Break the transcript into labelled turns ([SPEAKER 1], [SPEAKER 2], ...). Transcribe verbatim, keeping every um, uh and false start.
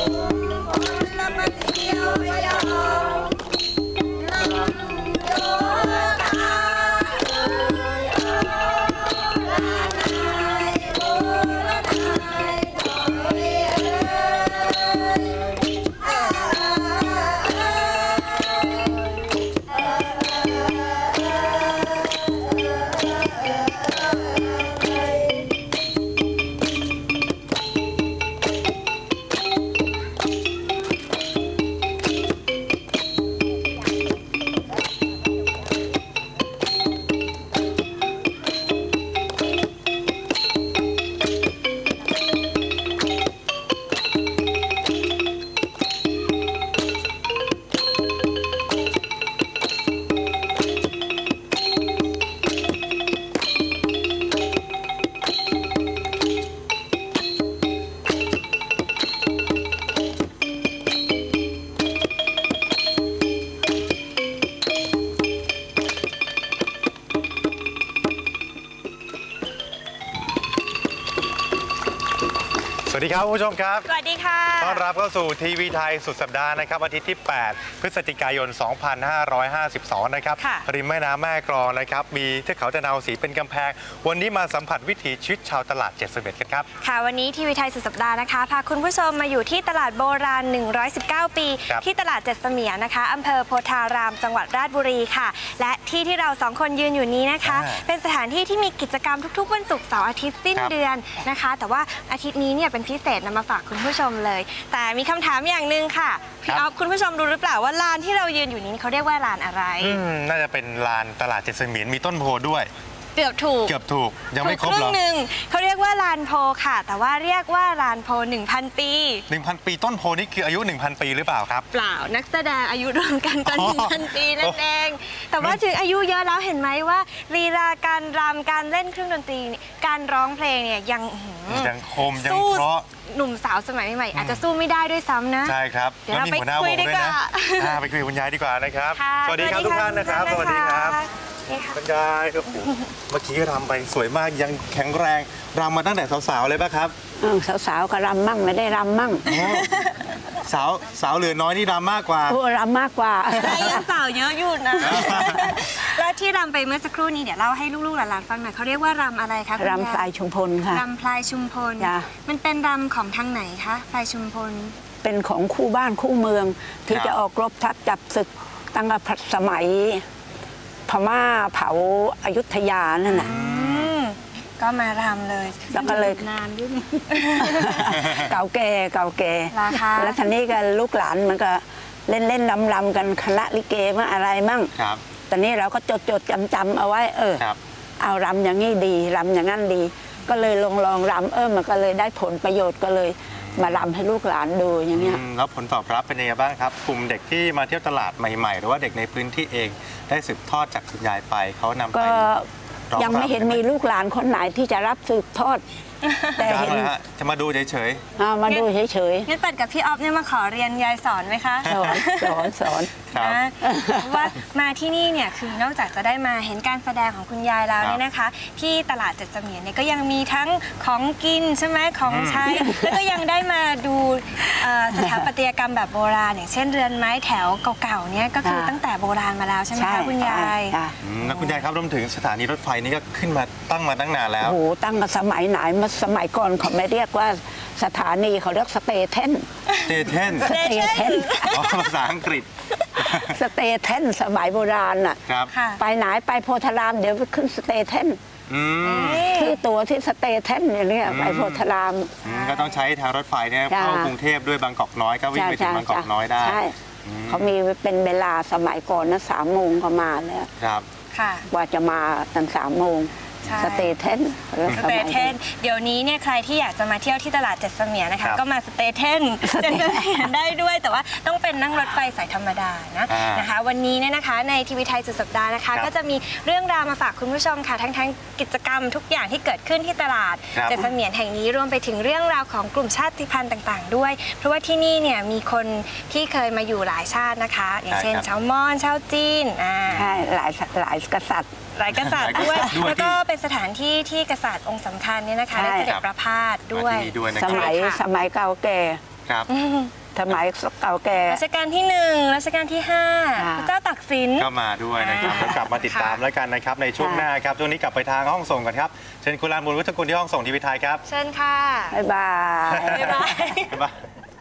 [SPEAKER 1] สวัสดีครับคุณผู้ชมครับ
[SPEAKER 2] สวัสดีค่ะ
[SPEAKER 1] ต้อนรับเข้าสู่ทีวีไทยสุดสัปดาห์นะครับอาทิตย์ที่แปดพฤศจิกายนสองพันห้าร้อยห้าสิบสองนะครับริมแม่น้ำแม่กลองนะครับมีเทือกเขาตะนาวศรีเป็นกำแพงวันนี้มาสัมผัสวิถีชีวิตชาวตลาดเจ็ดสิบเอ็ดกันครับ
[SPEAKER 2] ค่ะวันนี้ทีวีไทยสุดสัปดาห์นะคะพาคุณผู้ชมมาอยู่ที่ตลาดโบราณหนึ่งร้อยสิบเก้าปีที่ตลาดเจ็ดเสมียนนะคะอำเภอโพธารามจังหวัดราชบุรีค่ะและที่ที่เราสองคนยืนอยู่นี้นะคะเป็นสถานที่ที่มีกิจกรรมทุกๆวันศุกร์เสาร์อาทิตย์สิ้นเดือนนะคะแต่ว่าอาทิตย์นี้เนี่ยเป็นพิเศษนำมาฝากคุณผู้ชมเลยแต่มีคำถามอย่างหนึ่งค่ะพี่อ๊อฟคุณผู้ชมรู้หรือเปล่าว่าลานที่เรายืนอยู่นี้เขาเรียกว่าลานอะไร
[SPEAKER 1] น่าจะเป็นลานตลาดเจ็ดเสมียนมีต้นโพด้วย
[SPEAKER 2] เกือบถูก
[SPEAKER 1] เกือบถูกยังไม่ครบหรอ
[SPEAKER 2] หนึ่งเขาเรียกว่าลานโพค่ะแต่ว่าเรียกว่าลานโพ หนึ่งพัน ปี
[SPEAKER 1] หนึ่งพัน ปีต้นโพนี่คืออายุ หนึ่งพัน ปีหรือเปล่าครับ
[SPEAKER 2] เปล่านักแสดงอายุรวมกันก็ หนึ่งพัน ปีนั่นเองแต่ว่าถึงอายุเยอะแล้วเห็นไหมว่าลีลาการรำการเล่นเครื่องดนตรีการร้องเพลงเนี่ยยัง
[SPEAKER 1] ยังคมยังเพราะ
[SPEAKER 2] หนุ่มสาวสมัยใหม่อาจจะสู้ไม่ได้ด้วยซ้ำนะ
[SPEAKER 1] ใช่ครับ
[SPEAKER 2] เดี๋ยวเราไปคุยดีกว่า
[SPEAKER 1] ไปคุยกับคุณยายดีกว่านะครับสวัสดีครับทุกท่านนะครับสวัสดีครับคุณยายครับเมื่อกี้รำไปสวยมากยังแข็งแรงรำมาตั้งแต่สาวๆเลยป่ะครับ
[SPEAKER 3] สาวๆก็รำมั่งไม่ได้รำมั่ง
[SPEAKER 1] สาวสาวเหลือน้อยนี่รำมากกว่า
[SPEAKER 3] โอ้รำมากกว่า
[SPEAKER 2] ยังสาวเยอะอยู่นะแล้วที่รำไปเมื่อสักครู่นี้เดี๋ยวเล่าให้ลูกๆหลานๆฟังหน่อยเขาเรียกว่ารำอะไรคะ
[SPEAKER 3] รำพลายชุมพลค่ะ
[SPEAKER 2] รำพลายชุมพลมันเป็นรำของทางไหนคะพลายชุมพล
[SPEAKER 3] เป็นของคู่บ้านคู่เมืองที่จะออกรบทัพจับศึกตั้งแต่สมัยพม่าเผาอยุธยานั่นแหละ
[SPEAKER 2] ก็มารำเลย
[SPEAKER 3] แล้วก็เลย
[SPEAKER 2] นานด้วย
[SPEAKER 3] เก่าแก่เก่าแก่แล้วทีนี้ก็ลูกหลานมันก็เล่นเล่นรำรำกันคณะลิเกมั่งอะไรมั่งตอนนี้เราก็จดจดจำจำเอาไว้เออเอารำอย่างนี้ดีรำอย่างนั้นดีก็เลยลองลองรำเออมันก็เลยได้ผลประโยชน์ก็เลยมารำให้ลูกหลานดูอย่างเงี้ย
[SPEAKER 1] แล้วผลตอบรับเป็นยังไงบ้างครับกลุ่มเด็กที่มาเที่ยวตลาดใหม่ๆหรือว่าเด็กในพื้นที่เองได้สืบทอดจากคุณยายไปเขานำไป
[SPEAKER 3] ยังไม่เห็นมีลูกหลานคนไหนที่จะรับสืบทอด
[SPEAKER 1] แต่เห็นจะมาดูเฉย
[SPEAKER 3] ๆมาดูเฉย
[SPEAKER 2] ๆงั้นปัดกับพี่อ๊อฟเนี่ยมาขอเรียนยายสอนไหมคะ
[SPEAKER 3] สอนสอนสอน
[SPEAKER 2] ว่ามาที่นี่เนี่ยคือนอกจากจะได้มาเห็นการแสดงของคุณยายแล้วเนี่ยนะคะที่ตลาดเจ็ดเสมียนเนี่ยก็ยังมีทั้งของกินใช่ไหมของใช้แล้วก็ยังได้มาดูสถาปัตยกรรมแบบโบราณอย่างเช่นเรือนไม้แถวเก่าๆเนี่ยก็คือตั้งแต่โบราณมาแล้วใช่ไหมคะคุณยาย
[SPEAKER 1] แล้วคุณยายครับรวมถึงสถานีรถไฟนี่ก็ขึ้นมาตั้งมาตั้งนานแล้ว
[SPEAKER 3] โอ้โหตั้งมาสมัยไหนมาสมัยก่อนเขาไม่เรียกว่าสถานีเขาเรียกสเตเทน
[SPEAKER 1] สเตเทน
[SPEAKER 3] สเตเทน
[SPEAKER 1] ภาษาอังกฤษ
[SPEAKER 3] สเตเทนสมัยโบราณอ่ะไปไหนไปโพธารามเดี๋ยวไปขึ้นสเตเทนคือตัวที่สเตเทนอย่างนี้ไปโพธาราม
[SPEAKER 1] ก็ต้องใช้ทางรถไฟเนี่ยเข้ากรุงเทพด้วยบางกอกน้อยก็วิ่งไปถึงบางกอกน้อยได้
[SPEAKER 3] เขามีเป็นเวลาสมัยก่อนนะสามโมงก็มาแล้ว
[SPEAKER 1] ครับ
[SPEAKER 3] ว่าจะมาตั้งสามโมงสเตเทน
[SPEAKER 2] สเตเทนเดี๋ยวนี้เนี่ยใครที่อยากจะมาเที่ยวที่ตลาดเจ็ดเสมียนนะคะก็มาสเตเทนเจ็ดเสมียนได้ด้วยแต่ว่าต้องเป็นนั่งรถไฟสายธรรมดานะนะคะวันนี้เนี่ยนะคะในทีวีไทยสุดสัปดาห์นะคะก็จะมีเรื่องราวมาฝากคุณผู้ชมค่ะทั้งทั้งกิจกรรมทุกอย่างที่เกิดขึ้นที่ตลาดเจ็ดเสมียนแห่งนี้รวมไปถึงเรื่องราวของกลุ่มชาติพันธุ์ต่างๆด้วยเพราะว่าที่นี่เนี่ยมีคนที่เคยมาอยู่หลายชาตินะคะอย่างเช่นชาวมอญชาวจีน
[SPEAKER 3] ใช่หลายหลายกษัตริย์
[SPEAKER 2] หลายกษัตริย์ด้วยแล้วก็เป็นสถานที่ที่กษัตริย์องค์สำคัญเนี่ยนะคะได้เสด็จประพาสด้วย
[SPEAKER 3] สมัยสมัยเก่าแก่
[SPEAKER 1] ครับ
[SPEAKER 3] สมัยเก่าแก่
[SPEAKER 2] รัชกาลที่หนึ่งรัชกาลที่ห้าพระเจ้าตากสิน
[SPEAKER 1] ก็มาด้วยนะครับแล้วกลับมาติดตามแล้วกันนะครับในช่วงหน้าครับช่วงนี้กลับไปทางห้องส่งกันครับเชิญคุณลานบุญวุฒิกุลที่ห้องส่งทีวีไทยครับ
[SPEAKER 2] เชิญค่ะ
[SPEAKER 3] บ๊ายบาย
[SPEAKER 2] บ๊ายบาย
[SPEAKER 1] บ๊ายบาย